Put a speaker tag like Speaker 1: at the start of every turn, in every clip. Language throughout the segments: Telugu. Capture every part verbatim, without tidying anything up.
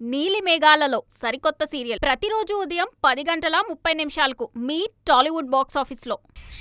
Speaker 1: నీలి మేఘాలలో సరికొత్త సీరియల్ ప్రతిరోజు ఉదయం పది గంటల ముప్పై నిమిషాలకు మీ టాలీవుడ్ బాక్స్ ఆఫీస్లో.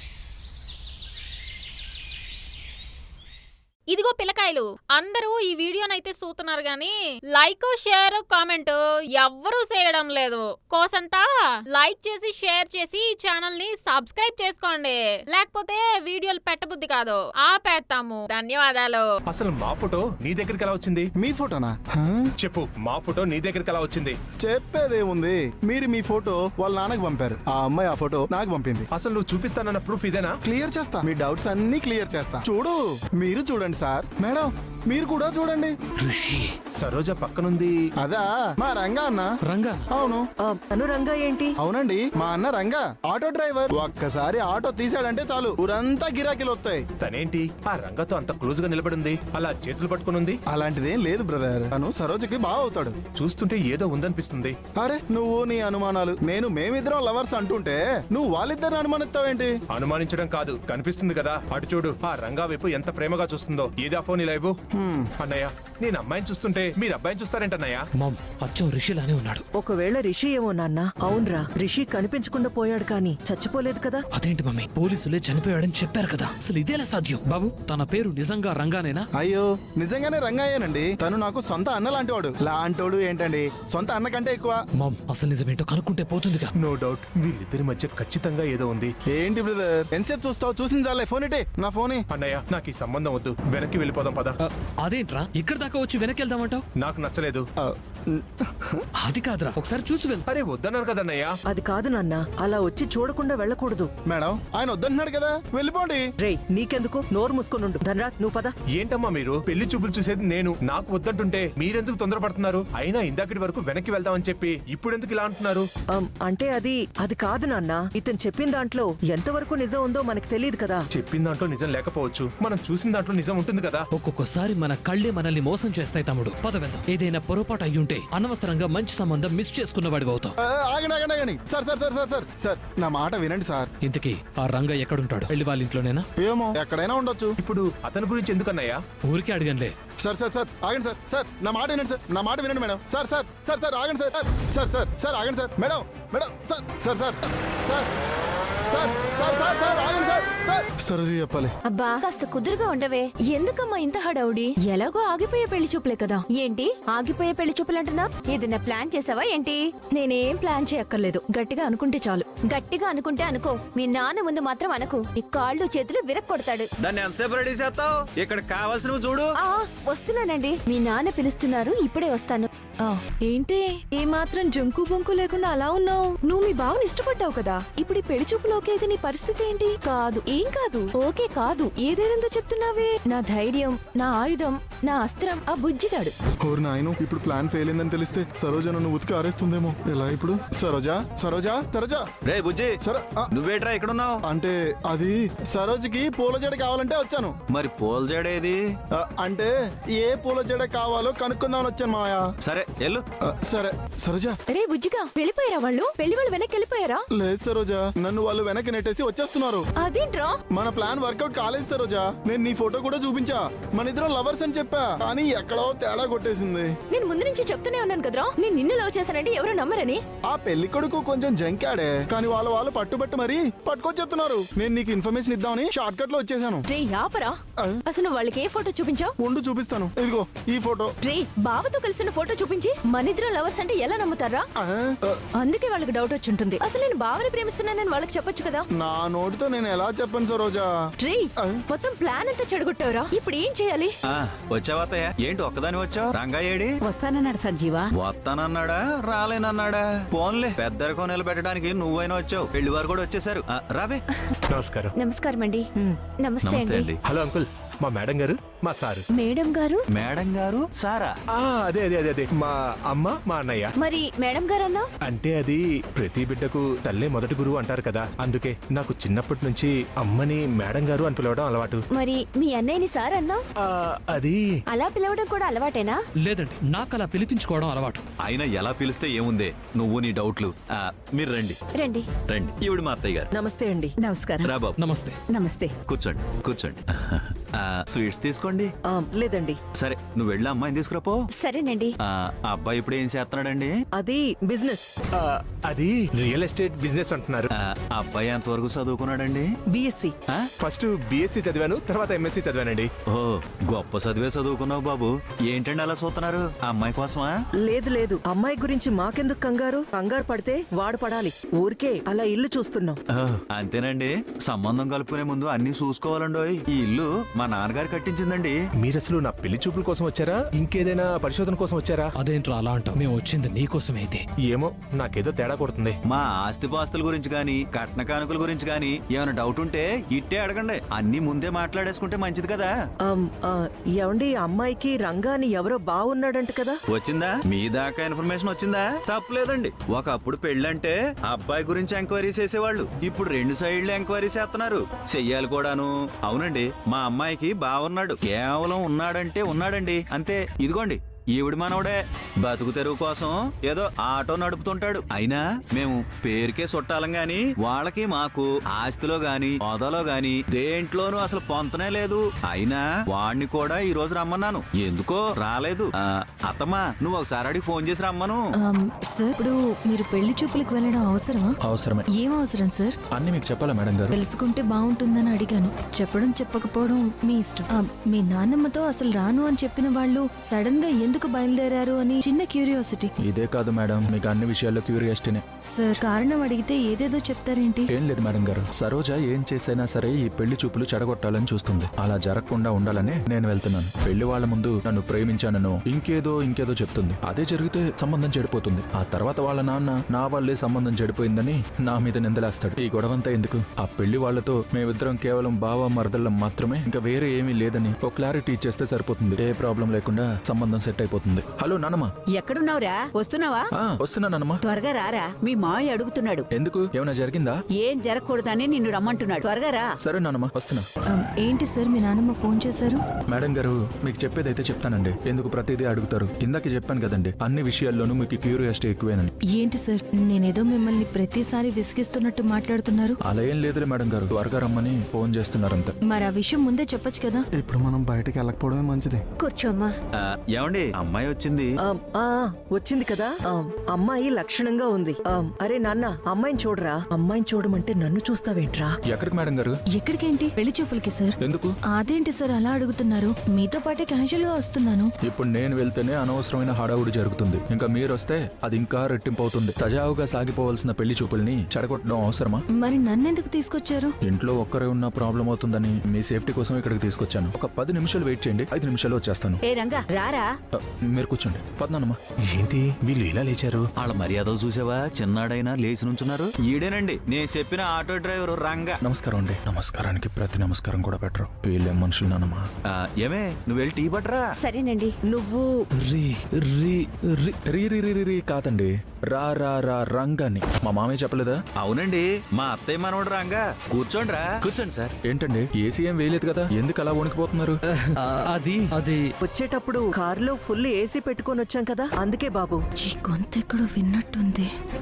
Speaker 1: ఇదిగో పిల్లకాయలు, అందరూ ఈ వీడియోనైతే చూస్తున్నారు గాని లైక్ షేర్ కామెంట్ ఎవ్వరూ చేయడం లేదు. కోసంతా లైక్ చేసి షేర్ చేసి ఈ ఛానల్ ని సబ్స్క్రైబ్ చేసుకోండి, లేకపోతే వీడియోలు పెట్టబుద్ధి కాదు, ఆపేస్తాము. ధన్యవాదాలు.
Speaker 2: అసలు మా ఫోటో నీ దగ్గరికి ఎలా వచ్చింది?
Speaker 3: మీ ఫోటోనా?
Speaker 2: చెప్పు, మా ఫోటో నీ దగ్గరికి ఎలా వచ్చింది?
Speaker 3: చెప్పేదేముంది, మీరు మీ ఫోటో వాళ్ళ నాన్నకు పంపారు, ఆ అమ్మాయి ఆ ఫోటో నాకు పంపింది.
Speaker 2: అసలు నువ్వు చూపిస్తానన్న ప్రూఫ్ ఇదేనా?
Speaker 3: క్లియర్ చేస్తా, మీ డౌట్స్ అన్ని క్లియర్ చేస్తా. చూడు, మీరు చూడండి సార్. మేడం, మీరు కూడా చూడండి.
Speaker 2: సరోజ పక్కనుంది.
Speaker 3: అదా మా రంగా అన్న.
Speaker 4: రంగా?
Speaker 3: అవును.
Speaker 5: తను రంగా ఏంటి?
Speaker 3: అవునండి, మా అన్న రంగా ఆటో డ్రైవర్. ఒక్కసారి ఆటో తీసాడంటే చాలు ఊరంతా గిరాకీలు వస్తాయి.
Speaker 2: తనేంటి ఆ రంగతో అంత క్లోజ్ గా నిలబడింది, అలా చేతులు పట్టుకునుంది?
Speaker 3: అలాంటిదేం లేదు బ్రదర్, తను సరోజకి బాగా అవుతాడు.
Speaker 2: చూస్తుంటే ఏదో ఉందనిపిస్తుంది.
Speaker 3: అరే నువ్వు నీ అనుమానాలు, నేను మేమిద్దరం లవర్స్ అంటుంటే నువ్వు వాళ్ళిద్దరిని అనుమానిస్తావేంటి?
Speaker 2: అనుమానించడం కాదు, కనిపిస్తుంది కదా. అటు చూడు, ఆ రంగా వైపు ఎంత ప్రేమగా చూస్తుందో. ఏదా ఫోన్ ఇలా ఇవ్వు. అన్నయ్య, నేను అమ్మాయిని చూస్తుంటే మీరు అబ్బాయిని చూస్తారేంటన్నయ్య?
Speaker 4: మామ్, అచ్చం రిషిలానే ఉన్నాడు.
Speaker 5: ఒకవేళ రిషి ఏమో నాన్న. అవునరా, రిషి కనిపించకుండా పోయాడు కానీ చచ్చిపోలేదు కదా.
Speaker 4: అదేంటి మమ్మీ, పోలీసులే చనిపోయాడని చెప్పారు కదా, అసలు ఇదేలా సాధ్యం? బాబు, తన పేరు నిజంగా రంగానేనా?
Speaker 3: అయ్యో, నిజంగానే రంగాయేనండి. తను నాకు సొంత అన్న లాంటివాడు. లాంటోడు ఏంటండి, సొంత అన్న కంటే ఎక్కువ.
Speaker 4: మామ్, అసలు నిజమేంటో కనుక్కుంటే పోతుందిగా.
Speaker 2: నో డౌట్, వీళ్ళిద్దరి మధ్య ఖచ్చితంగా ఏదో ఉంది.
Speaker 3: ఏంటి బ్రదర్, ఎంతసేపు చూస్తావు? చూసింది చాలే, ఫోన్ ఇటే. నా ఫోన్.
Speaker 2: అన్నయ్య, నాకు ఈ సంబంధం వద్దు, వెనక్కి వెళ్ళిపోదాం పద.
Speaker 4: ఆ, అదేంట్రా ఇక్కడ దాకా వచ్చి వెనక్కి వెళ్దామంటావు?
Speaker 2: నాకు నచ్చలేదు.
Speaker 4: అది కాదురా, ఒకసారి చూసి వెళ్తా.
Speaker 2: అరే వద్దన్నారు కదన్నయ్య.
Speaker 5: అది కాదు నాన్న, అలా వచ్చి చూడకుండా వెళ్ళకూడదు.
Speaker 3: మేడం, ఆయన వద్దన్నాడు కదా, వెళ్ళిపోండి.
Speaker 5: రే, నీకెందుకు? నోరు మూసుకొని ధనరాజ్, నువ్వు పద.
Speaker 2: ఏంటమ్మా మీరు, పెళ్లి చూపులు చూసేది నేను, నాకు వద్దంటుంటే మీరెందుకు తొందరపడుతున్నారు? అయినా ఇందాకటి వరకు వెనక్కి వెళ్దామని చెప్పి ఇప్పుడు ఎందుకు ఇలా అంటున్నారు?
Speaker 5: అమ్, అంటే అది అది కాదు నాన్న. ఇతను చెప్పిన దాంట్లో ఎంతవరకు నిజం ఉందో మనకు తెలియదు కదా.
Speaker 2: చెప్పిన దాంట్లో నిజం లేకపోవచ్చు, మనం చూసిన దాంట్లో నిజం ఉంటుంది కదా.
Speaker 4: ఒక్కొక్కసారి మన కళ్ళే మనల్ని మోసం చేస్తాయి తమ్ముడు. పద వెళ్దాం. ఏదైనా పొరపాటు అయ్యుంటే అనవసరంగా మంచి సంబంధం మిస్ చేసుకున్నవాడివి అవుతావు.
Speaker 3: ఆగండి ఆగండి ఆగండి sir sir sir sir sir sir నా మాట వినండి సార్.
Speaker 4: ఇంతకీ ఆ రంగ ఎక్కడుంటాడు? వెళ్ళి వాళ్ళ ఇంట్లోనేనా?
Speaker 3: ఏమో, ఎక్కడైనా ఉండొచ్చు.
Speaker 2: ఇప్పుడు అతని గురించి ఎందుకన్నయ్యా?
Speaker 4: ఊరికే అడిగనులే.
Speaker 3: సార్ సార్ సార్ ఆగండి సార్. సార్ నా మాట వినండి సార్, నా మాట వినండి madam. Sir sir sir sir ఆగండి సార్. సార్ సార్ సార్ ఆగండి sir. Madam madam sir sir sir sir sir sir sir sir ఆగండి సార్. సార్ సరోజ చెప్పాలి.
Speaker 6: అబ్బా, కాస్త కుదురుగా ఉండవే. ఎందుకమ్మా ఇంత హడావుడి? ఎలాగో ఆగిపోయే పెళ్లి చూపులే కదా. ఏంటి ఆగిపోయే పెళ్లి చూపులంటున్నా? ఏదైనా ప్లాన్ చేసావా ఏంటి? నేనేం ప్లాన్ చేయక్కర్లేదు, గట్టిగా అనుకుంటే చాలు. గట్టిగా అనుకుంటే అనుకో, మీ నాన్న ముందు మాత్రం అనుకో, నీ కాళ్ళు చేతులు విరక్కొడతాడు.
Speaker 7: దాన్ని ఎంతసేపు రెడీ చేస్తావు? ఇక్కడ కావాల్సినవి చూడు.
Speaker 6: ఆ వస్తున్నానండి, మీ నాన్న పిలుస్తున్నారు, ఇప్పుడే వస్తాను.
Speaker 8: ఏంటి ఏ మాత్రం జంకు బొంకు లేకుండా అలా ఉన్నావు? నువ్వు మీ బావని ఇష్టపడ్డావు కదా, ఇప్పుడు ఈ పెళ్లి చూపులు ఓకే అయితే నీ పరిస్థితి ఏంటి?
Speaker 6: కాదు,
Speaker 8: ఏం కాదు,
Speaker 6: ఓకే కాదు.
Speaker 8: ఏదేనంతో చెప్తున్నావే?
Speaker 6: నా ధైర్యం, నా ఆయుధం, నా అస్త్రం ఆ బుజ్జిగాడు.
Speaker 3: ఓరు నాయను, ఇప్పుడు ప్లాన్ ఫెయిల్ అయిందని తెలిస్తే సరోజ నన్ను ఉతికి ఆరేస్తుందేమో. ఎలా ఇప్పుడు? సరోజా సరోజా సరోజా
Speaker 7: రే బుజ్జి,
Speaker 3: సరే
Speaker 7: నువ్వేట్రా ఇక్కడ ఉన్నావు?
Speaker 3: అంటే అది సరోజకి పూల జడ కావాలంటే వచ్చాను.
Speaker 7: మరి పూల జడేది?
Speaker 3: ఆ, అంటే ఏ పూల జడ కావాలో కనుక్కుందామని వచ్చాను మాయా.
Speaker 7: సరే ఎల్లు.
Speaker 3: ఆ, సరే సరోజా.
Speaker 8: రే బుజ్జిగా, వెళ్ళిపోయారా వాళ్ళు? పెళ్లి వాళ్ళు వెనక్కి వెళ్ళిపోయారా?
Speaker 3: లేదు సరోజా, నన్ను వాళ్ళు వెనక్కి నెట్టేసి వచ్చేస్తున్నారు.
Speaker 8: అదేంట్రా?
Speaker 3: మన ప్లాన్ వర్కౌట్ కాలేదు సరోజా. నేను నీ ఫోటో కూడా చూపించా, మన ఇద్దరం లవర్స్ అని చెప్పా, కానీ ఎక్కడో తేడా కొట్టేసింది.
Speaker 8: నేను ముందు నుంచి చెప్తూనే ఉన్నాను కదరా, నేను నిన్ను లవ్ చేశానంటే ఎవరు నమ్మరని.
Speaker 3: ఆ పెళ్లి కొడుకు కొంచెం జంకాడే, కానీ వాళ్ళ వాళ్ళు పట్టుబట్టి మరీ పట్టుకొచ్చేస్తున్నారు. నేను నీకు ఇన్ఫర్మేషన్ ఇద్దామని షార్ట్ కట్ లో వచ్చేసాను.
Speaker 8: రే ఆపరా, అసలు వాళ్ళకి ఏ ఫోటో చూపించావు?
Speaker 3: ఉండు చూపిస్తాను, ఇదిగో ఈ ఫోటో.
Speaker 8: రే, బావతో కలిసిన ఫోటో చూపించి మనిద్దరం లవర్స్ అంటే ఎలా నమ్ముతారా?
Speaker 3: ఆ, ఆ,
Speaker 8: అందుకే వాళ్ళకి డౌట్ వచ్చి ఉంటుంది. అసలు నేను బావని ప్రేమిస్తున్నానని వాళ్ళకి చెప్పొచ్చు కదా.
Speaker 3: నా నోటితో నేను ఎలా చెప్పను సరోజా.
Speaker 8: రే, మొత్తం ప్లాన్ అంతా చెడగొట్టావురా, ఇప్పుడు ఏం చేయాలి?
Speaker 7: ఆ, వచ్చావత్తయ్య? ఏంటి ఒక్కదాని వచ్చావు? రంగా ఏడి?
Speaker 5: వస్తానన్నాడు సంజీవా.
Speaker 7: వస్తానన్నాడా రాలేనన్నాడా? ఫోన్లే, పెద్దరికం నిలబెట్టడానికి నువ్వైనా వచ్చావు, పెళ్లి వారు కూడా వచ్చేసారు. ఆ, రావే.
Speaker 2: నమస్కారం.
Speaker 6: నమస్కారం అండి. నమస్తే
Speaker 7: నమస్తే
Speaker 6: అండి.
Speaker 7: అండి.
Speaker 2: హలో అంకుల్, మా మేడం గారు, మా సారు.
Speaker 6: మేడం గారు?
Speaker 7: మేడం గారు సారా?
Speaker 2: ఆ, అదే అదే అదే అదే మా అమ్మ మా అన్నయ్య.
Speaker 6: మరి మేడం గారు అన్నా?
Speaker 2: అంటే అది ప్రతి బిడ్డకు తల్లే మొదటి గురువు అంటారు కదా, అందుకే నాకు చిన్నప్పటి నుంచి అమ్మని మేడం గారు అని పిలవడం అలవాటు.
Speaker 6: మరి మీ అన్నయ్యని సార్ అన్నా?
Speaker 2: ఆ, అది
Speaker 6: అలా పిలవడం కూడా అలవాటేనా?
Speaker 4: లేదండి, నాకు అలా పిలిపించుకోవడం అలవాటు.
Speaker 7: అయినా ఎలా పిలిస్తే ఏముందే, నువ్వు నీ డౌట్లు. ఆ, మీరు రండి
Speaker 6: రండి
Speaker 7: రండి. ఈవిడ మా అత్తయ్య గారు.
Speaker 5: నమస్తే అండి. నమస్కారం.
Speaker 7: రా బాబు.
Speaker 4: నమస్తే.
Speaker 5: నమస్తే.
Speaker 7: కూర్చోండి కూర్చోండి. ఆ, స్వీట్స్ తీసుకోండి.
Speaker 5: ఆ, లేదండి.
Speaker 7: సరే నువ్వు వెళ్ళి అమ్మాయిని తీసుకురాపో.
Speaker 6: సరేనండి.
Speaker 7: ఆ ఆ అబ్బాయి ఇప్పుడు ఏం చేస్తున్నాడండి?
Speaker 5: అది బిజినెస్.
Speaker 2: ఆ, అది రియల్ ఎస్టేట్ బిజినెస్ అంటున్నారు.
Speaker 7: ఆ ఆ అబ్బాయి ఎంతవరకు చదువుకున్నాడండి?
Speaker 5: బిఎస్సి.
Speaker 7: ఆ?
Speaker 2: ఫస్ట్ బిఎస్సి చదివాను, తర్వాత ఎంఎస్సి చదివానండి.
Speaker 7: ఓ గొప్ప చదివే చదువుకున్నావు బాబు. ఏంటండి అలా చూస్తున్నారు? ఆ అమ్మాయి కోసమా?
Speaker 5: లేదు లేదు, అమ్మాయి గురించి మాకెందుకు కంగారు? కంగారు పడితే వాడు పడాలి. ఊరికే అలా ఇల్లు చూస్తున్నాం.
Speaker 7: ఓ, అంతేనండి. సంబంధం కలుపుకునే ముందు అన్ని చూసుకోవాలండోయ్. ఈ ఇల్లు మా నాన్నగారు కట్టించిందండి.
Speaker 2: మీరు అసలు నా పెళ్లి చూపుల కోసం వచ్చారా, ఇంకేదైనా పరిశోధన కోసం వచ్చారా?
Speaker 4: అదేంట్రా అలా అంటావు? మేము వచ్చింది నీకోసమే అయితే.
Speaker 2: ఏమో నాకేదో తేడా కొడుతుంది.
Speaker 7: మా ఆస్తిపాస్తుల గురించి గాని కట్న కానుకల గురించి గాని ఏమైనా డౌట్ ఉంటే ఇట్టే అడగండి. అన్ని ముందే మాట్లాడేసుకుంటే మంచిది కదా.
Speaker 5: ఆమ్, ఆ, ఏమండి, ఆ అమ్మాయికి రంగాని ఎవరో బాగున్నాడంట కదా?
Speaker 7: వచ్చిందా? మీ దాకా ఇన్ఫర్మేషన్ వచ్చిందా? తప్పలేదండి. ఒకప్పుడు పెళ్ళంటే అబ్బాయి గురించి ఎంక్వైరీ చేసేవాళ్ళు. ఇప్పుడు రెండు సైడ్లు ఎంక్వైరీ చేస్తున్నారు. చెయ్యాలి కూడాను. అవునండి, మా అమ్మాయికి బాగున్నాడు. కేవలం ఉన్నాడంటే ఉన్నాడండి అంతే. ఇదిగోండి ఈవిడ మనవడే. బతుకు తెరువు కోసం ఏదో ఆటో నడుపుతుంటాడు. అయినా మేము పేరుకే చుట్టాలం గాని వాళ్ళకి మాకు ఆస్తిలో గాని హోదాలో గాని దేంట్లోనూ అసలు పొంతనే లేదు. అయినా వాడిని కూడా ఈ రోజు రమ్మన్నాను. ఎందుకో రాలేదు. ఆ, అత్తమ్మా నువ్వు ఒకసారి అడిగి ఫోన్ చేసి రమ్మను.
Speaker 8: ఆమ్, సార్ ఇప్పుడు మీరు పెళ్లి చూపులకు వెళ్ళడం అవసరమా?
Speaker 9: అవసరమే.
Speaker 8: ఏం అవసరం సార్?
Speaker 9: అన్ని మీకు చెప్పాలా మేడం గారు?
Speaker 8: తెలుసుకుంటే బాగుంటుందని అడిగాను. చెప్పడం చెప్పకపోవడం మీ ఇష్టం. ఆ, మీ నాన్నమ్మతో అసలు రాను అని చెప్పిన వాళ్ళు సడన్ గా ఎందుకు బయలుదేరారు అని చిన్న క్యూరియాసిటీ.
Speaker 9: ఇదే కాదు మేడం, మీకు అన్ని విషయాల్లో క్యూరియాసిటీనే.
Speaker 8: సార్ కారణం అడిగితే ఏదేదో చెప్తారేంటి?
Speaker 9: ఏం లేదు మేడం గారు, సరోజ ఏం చేసైనా సరే ఈ పెళ్లి చూపులు చెడగొట్టాలని చూస్తుంది. అలా జరగకుండా ఉండాలని నేను వెళ్తున్నాను. పెళ్లి వాళ్ళ ముందు నన్ను ప్రేమించానను ఇంకేదో ఇంకేదో చెప్తుంది. అదే జరిగితే సంబంధం చెడిపోతుంది. ఆ తర్వాత వాళ్ళ నాన్న నా వాళ్ళే సంబంధం చెడిపోయిందని నా మీద నిందలేస్తాడు. ఈ గొడవంతా ఎందుకు? ఆ పెళ్లి వాళ్ళతో మేమిద్దరం కేవలం బావ మరదళ్ళం మాత్రమే, ఇంకా వేరే ఏమీ లేదని ఒక క్లారిటీ ఇచ్చేస్తే సరిపోతుంది. ఏ ప్రాబ్లం లేకుండా సంబంధం సెట్ అయిపోతుంది. హలో నానమ్మ.
Speaker 10: ఎక్కడున్నావురా? వస్తున్నావా?
Speaker 9: ఆ, వస్తున్నా నానమ్మ.
Speaker 10: త్వరగా రారా, మీ మావయ్య అడుగుతున్నాడు.
Speaker 9: ఎందుకు? ఏమైనా జరిగిందా?
Speaker 10: ఏం జరగకూడదని నిన్ను రమ్మంటున్నాడు. త్వరగా రా.
Speaker 9: సరే నానమ్మ, వస్తున్నా.
Speaker 8: ఆమ్, ఏంటి సార్ మీ నాన్నమ్మ ఫోన్ చేశారు?
Speaker 9: మేడం గారు మీకు చెప్పేదైతే చెప్తానండి. ఎందుకు ప్రతిదీ అడుగుతారు? ఇందాక చెప్పాను కదండి, అన్ని విషయాల్లోనూ మీకు క్యూరియాసిటీ ఎక్కువేనని.
Speaker 8: ఏంటి సార్ నేనేదో మిమ్మల్ని ప్రతిసారి విసిగిస్తున్నట్టు మాట్లాడుతున్నారు.
Speaker 9: అలా ఏం లేదులే మేడం గారు, త్వరగా రమ్మని ఫోన్ చేస్తున్నారంత.
Speaker 8: మరి ఆ విషయం ముందే చెప్పొచ్చు కదా.
Speaker 3: ఇప్పుడు మనం బయటకు వెళ్ళకపోవడమే మంచిది.
Speaker 6: కూర్చోమ్మా.
Speaker 7: ఆ, ఏమండి అమ్మాయి వచ్చింది.
Speaker 5: ఆమ్, ఆ, వచ్చింది కదా. ఆమ్, అమ్మాయి లక్షణంగా ఉంది. ఆమ్, అరే నాన్న, అమ్మాయిని చూడరా. అమ్మాయిని చూడమంటే నన్ను చూస్తావేంట్రా?
Speaker 9: ఎక్కడికి మేడం గారు?
Speaker 8: ఎక్కడికేంటి? పెళ్లి చూపులకి సార్.
Speaker 9: ఎందుకు?
Speaker 8: అదేంటి సార్ అలా అడుగుతున్నారు? మీతో పాటే క్యాజువల్ గా వస్తున్నాను.
Speaker 9: ఇప్పుడు నేను వెళ్తేనే అనవసరమైన హడావుడి జరుగుతుంది. ఇంకా మీరు వస్తే అది ఇంకా రెట్టింపు అవుతుంది. సజావుగా సాగిపోవాల్సిన పెళ్లి చూపుల్ని చెడగొట్టడం అవసరమా?
Speaker 8: మరి నన్నెందుకు తీసుకొచ్చారు?
Speaker 9: ఇంట్లో ఒక్కరే ఉన్న ప్రాబ్లం అవుతుందని మీ సేఫ్టీ కోసం ఇక్కడికి తీసుకొచ్చాను. ఒక పది నిమిషాలు వెయిట్ చేయండి, ఐదు నిమిషాలు వచ్చేస్తాను.
Speaker 10: ఏ రంగా రారా.
Speaker 9: ఆ, మీరు కూర్చోండి. పద్నానమ్మా.
Speaker 2: ఏంటి వీళ్ళు ఇలా లేచారు?
Speaker 7: వాళ్ళ మర్యాదలు చూసావా? చిన్నాడైనా లేచి నుంచున్నారు. ఈడేనండి నేను చెప్పిన ఆటో డ్రైవర్ రంగా.
Speaker 9: నమస్కారం అండి. నమస్కారానికి ప్రతి నమస్కారం కూడా పెట్టరు. వీళ్ళేం మనుషులు నానమ్మా.
Speaker 7: ఆ, ఏమే నువ్వు వెళ్ళి టీ పట్టరా.
Speaker 6: సరేనండి.
Speaker 5: నువ్వు
Speaker 9: రీ రీ రీ రీ రీ రీ రీ రీ కాదండి, రా రా రా రంగాన్ని. మా మామయ్య చెప్పలేదా?
Speaker 7: అవునండి, మా అత్తయ్య మనోడు రంగా. కూర్చోండి రా. కూర్చోండి సార్.
Speaker 9: ఏంటండి ఏసీ ఏం వేయలేదు కదా, ఎందుకు అలా వణికిపోతున్నారు?
Speaker 4: ఆ, అది అది
Speaker 5: వచ్చేటప్పుడు కారులో ఫుల్ ఏసీ పెట్టుకొని వచ్చాం కదా, అందుకే బాబు.
Speaker 8: ఈ గొంతెక్కడో విన్నట్టుంది.